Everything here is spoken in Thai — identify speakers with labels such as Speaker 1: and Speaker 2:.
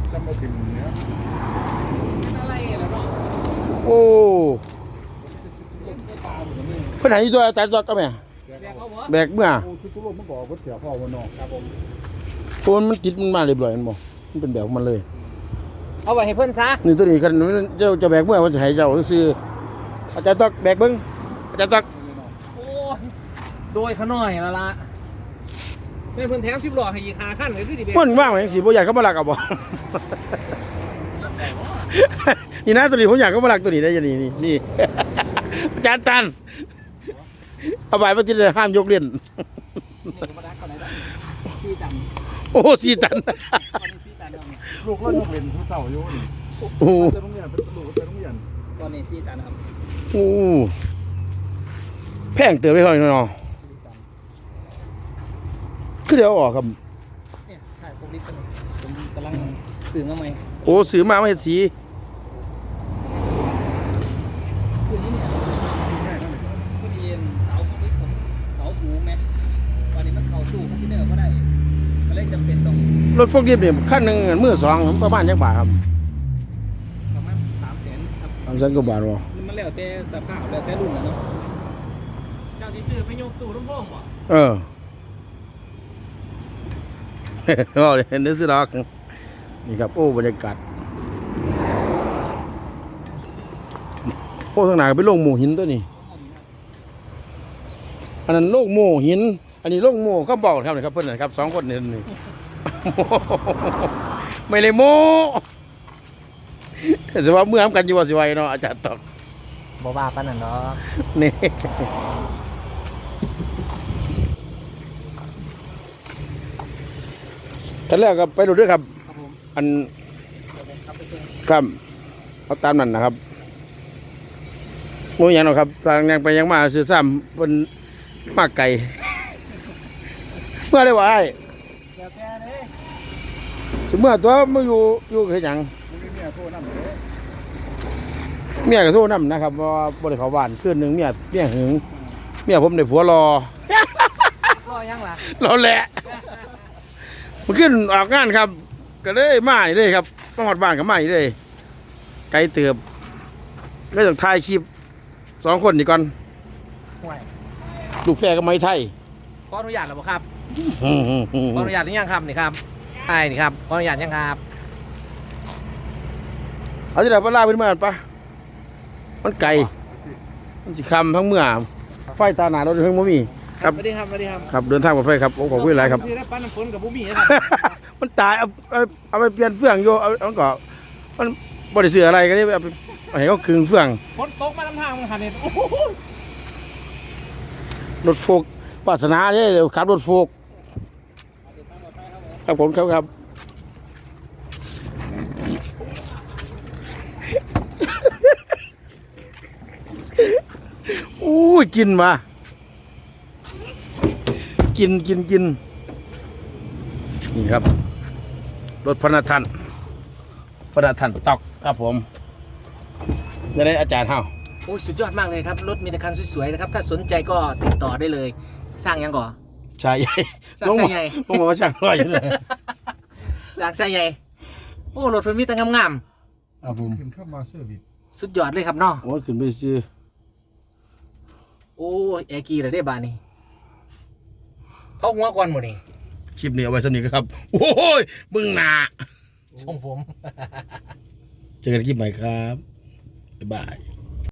Speaker 1: ซ้ำเอาถิ่นเนี้ย
Speaker 2: อะไรแล้วเนาะ
Speaker 3: โอ้เพิ่นให้ตัวแต่ตัวก็แม่แบกเมื่อ
Speaker 1: โอ้ชุดทุกคนมันบอกว่าเสียพ่อวันนอกครับผม
Speaker 3: ตัวมันติดมันมาเรียบร้อยมันบ่มันเป็นแบบของมันเลย
Speaker 2: เอาไว้ให้เพิ่นซะ
Speaker 3: นี่ตัวนี้คันเจ้าจะแบกเมื่อมันจะให้เจ้าซื้ออาจารย์ตักแบกเบิ่งอาจารย์ตัก
Speaker 2: โอ้โดยขน้อยละละเป็นเพิ่นแถม10ล้อให้อีก5คันก็คือสิเบ็ด
Speaker 3: มันว่างไว้สิบ่อยากเขามาลักเอาบ่ นี่นะตัวนี้ผมอยากเขามาลักตัวนี้ได้ยังนี่ อาจารย์ตันเอาไปมาที่ห้ามยกเล่นโอ้4 ตัน
Speaker 1: ลูกเรายกเล่นผู้เสาอยู่นี่
Speaker 3: โอ้
Speaker 1: จะต้องเรียนเป็นลูกจะต้องเรียน
Speaker 2: ตอนนี้4 ตันครับ
Speaker 3: โอ้แพงเติบไปเท่าไหร่เนาะคือเดี๋ยวออกครับ
Speaker 2: เนี่ยใช่ผมกำลังซื้อมาใหม่
Speaker 3: โอ้ซื้อมาไม่เห็นสี
Speaker 2: คือนี้เนี่ยพอดีเสาพวกนี้ผมเสาสูงไหมตอนนี้มันเข้าตู้คอนเทนเนอร์ก็ได้ก็เลยจำเป็นต้อง
Speaker 3: รถพวกนี้เนี่ยขั้นหนึ่งมือสองประมาณยังบาทครับ
Speaker 2: ประมาณ300,000ครับ
Speaker 3: 300,000 กว่าบาทวะ
Speaker 2: มันแล้วแต่สภาพแล้วแต่รุ่นนะเนาะเจ้าที่ซื้อไปยกตู้ลำโพงบ่
Speaker 3: เราเห็นนึกสิดอกนี่ครับโอ้บรรยากาศโอ้ทางไหนเป็นโลกโมหินตัวนี้อันนั้นโลกโมหินอันนี้โลกโมก็บอกครับนี่ครับเพื่อนนะครับ2 คนนี่นี่ ไม่เลยโมแต่ว่าเมื่อทำกันอยู่ว่าสิไวเนาะอาจารย์ตอก
Speaker 2: บ่บ้าปานนั้นเนาะ
Speaker 3: นี่กันแล้วครับไปดูด้วยครับอันครับเอาตามนั้นนะครับโมยังหรอครับทางยังไปยังมาซื้อซ้ำบนมากไก่เมื่อได้ว่าไอ้สมมติตัวมาอยู่แค่ยังเมียกับโทษน้ำนะครับว่าบริเขาบ้านคืนหนึ่งเมียหึงเมียผมได้ผัวรอ
Speaker 2: ยังล่ะ
Speaker 3: รอแหละมันขึ้นออกงานครับก็เลยมาเลยครับต้องหอดบ้านกับมาเลยไกลเติบเลยต้องถ่ายคลิป2 คนนี่ก่อนลูกแฝดกับไม้ไทย
Speaker 2: ขออนุญาตหรือเปล่าครับขออนุญาตหรือยังครับนี่ครับไอ้นี่ครับขออนุญาตยังครับ
Speaker 3: เอาที่ไหนปลาเป็นเมื่อปะมันไก่มันสิคำทั้งเมื่อไฟตาหนาเราเพิ่งบ่มีครับ
Speaker 2: สวัสดีครับสวัสดีครับ
Speaker 3: ครับเดินทางปลอดภัยครับขอบคุณหลายครับ
Speaker 2: ปั้นน้ำฝนกับบุ้มี่นะครับ
Speaker 3: มันตายเอาไปเปลี่ยนเฟืองโยเอาก่อนมันบริสุทธิ์อะไรกันนี่เอาให้เขาคืนเฟือง
Speaker 2: ฝนตกมาลำทางมันหันเนี่ย
Speaker 3: รถโฟกปาสนาเนี่ยขับรถโฟกครับผมครับอู้ยกินมากินนี่ครับรถพนักท่านตอกครับผมจะได้อาจารย์เฮา
Speaker 2: โอ้ยสุดยอดมากเลยครับรถมีแต่คันสวยๆนะครับถ้าสนใจก็ติดต่อได้เลยสร้างยังก่อ
Speaker 3: ชายใหญ่
Speaker 2: สร้างใหญ่
Speaker 3: ผมบอกว่าช่างร้อยเลย
Speaker 2: สร้างใหญ่โอ้รถเพิ่นมีแต่งาม
Speaker 3: ๆครับผม
Speaker 1: ขึ้นเข้ามาเซอร์วิส
Speaker 2: สุดยอดเลยครับเนาะ
Speaker 3: โอ้ขึ้นไปซื้อ
Speaker 2: โอ้แอร์กีเลยได้บานี่เขาหัวก่อนหมดนี่
Speaker 3: คลิปนี้เอาไว้สำนีครับโอ้ยมึงหนา
Speaker 2: ส่งผม
Speaker 3: เจอกันคลิปใหม่ครับบ๊ายบาย